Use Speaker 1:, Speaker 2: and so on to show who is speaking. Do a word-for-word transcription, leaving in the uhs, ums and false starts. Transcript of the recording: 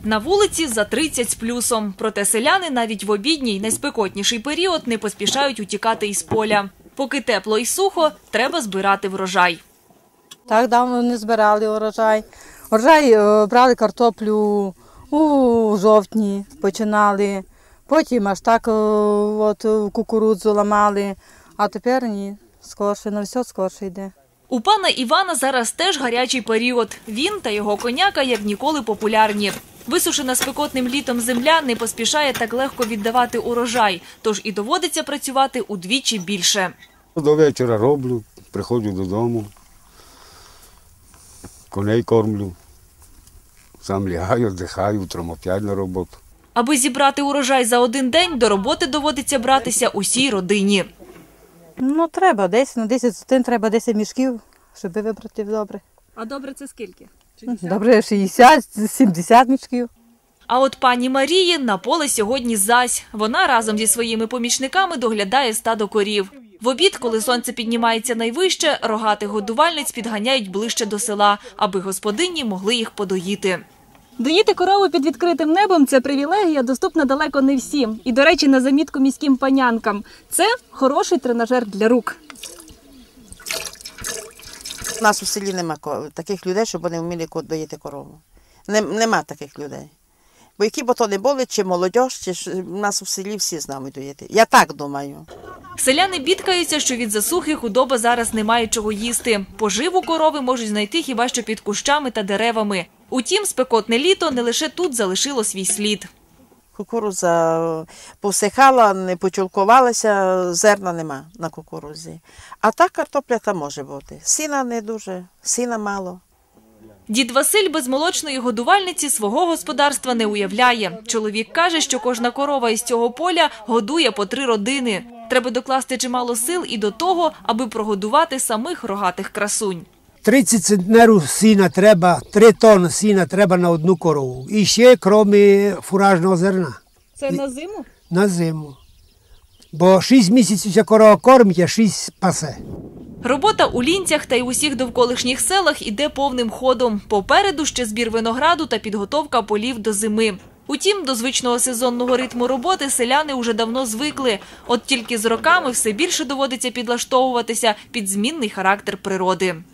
Speaker 1: На вулиці за тридцять з плюсом. Проте селяни навіть в обідній, найспекотніший період не поспішають утікати із поля. Поки тепло і сухо, треба збирати врожай.
Speaker 2: Так давно не збирали урожай. Урожай брали картоплю у жовтні, починали. Потім аж так от, кукурудзу ламали, а тепер ні, скорше, на все скорше йде.
Speaker 1: У пана Івана зараз теж гарячий період. Він та його коняка як ніколи популярні. Висушена спекотним літом земля не поспішає так легко віддавати урожай, тож і доводиться працювати удвічі більше.
Speaker 3: До вечора роблю, приходжу додому, коней кормлю, сам лягаю, віддихаю, утром опять на роботу.
Speaker 1: Аби зібрати урожай за один день, до роботи доводиться братися усій родині.
Speaker 2: Ну, треба десять, ну десять сотин, треба десять мішків, щоб вибрати добре.
Speaker 1: А добре це скільки?
Speaker 2: Добре, шістдесят, сімдесят мішків.
Speaker 1: А от пані Марії на поле сьогодні зась. Вона разом зі своїми помічниками доглядає стадо корів. В обід, коли сонце піднімається найвище, рогатих годувальниць підганяють ближче до села, аби господині могли їх подоїти.
Speaker 4: Доїти корову під відкритим небом – це привілегія, доступна далеко не всім. І, до речі, на замітку міським панянкам – це хороший тренажер для рук.
Speaker 5: У нас у селі нема таких людей, щоб вони вміли доїти корову. Нема таких людей. Бо які б то не були, чи молодь, чи у нас у селі всі знають доїти. Я так думаю.
Speaker 1: Селяни бідкаються, що від засухи худоба зараз не має чого їсти. Поживу корови можуть знайти хіба що під кущами та деревами. Утім, спекотне літо не лише тут залишило свій слід.
Speaker 5: Кукурудза повсихала, не почулкувалася, зерна нема на кукурудзі. А так картопля там може бути. Сіна не дуже, сіна мало.
Speaker 1: Дід Василь без молочної годувальниці свого господарства не уявляє. Чоловік каже, що кожна корова із цього поля годує по три родини. Треба докласти чимало сил і до того, аби прогодувати самих рогатих красунь.
Speaker 6: тридцять центнерів сіна треба, три тонни сіна треба на одну корову. І ще, крім фуражного зерна.
Speaker 4: Це на зиму?
Speaker 6: На зиму. Бо шість місяців ця корова кормить, а шість пасе.
Speaker 1: Робота у Лінцях та й усіх довколишніх селах іде повним ходом. Попереду ще збір винограду та підготовка полів до зими. Утім, до звичного сезонного ритму роботи селяни уже давно звикли. От тільки з роками все більше доводиться підлаштовуватися під змінний характер природи.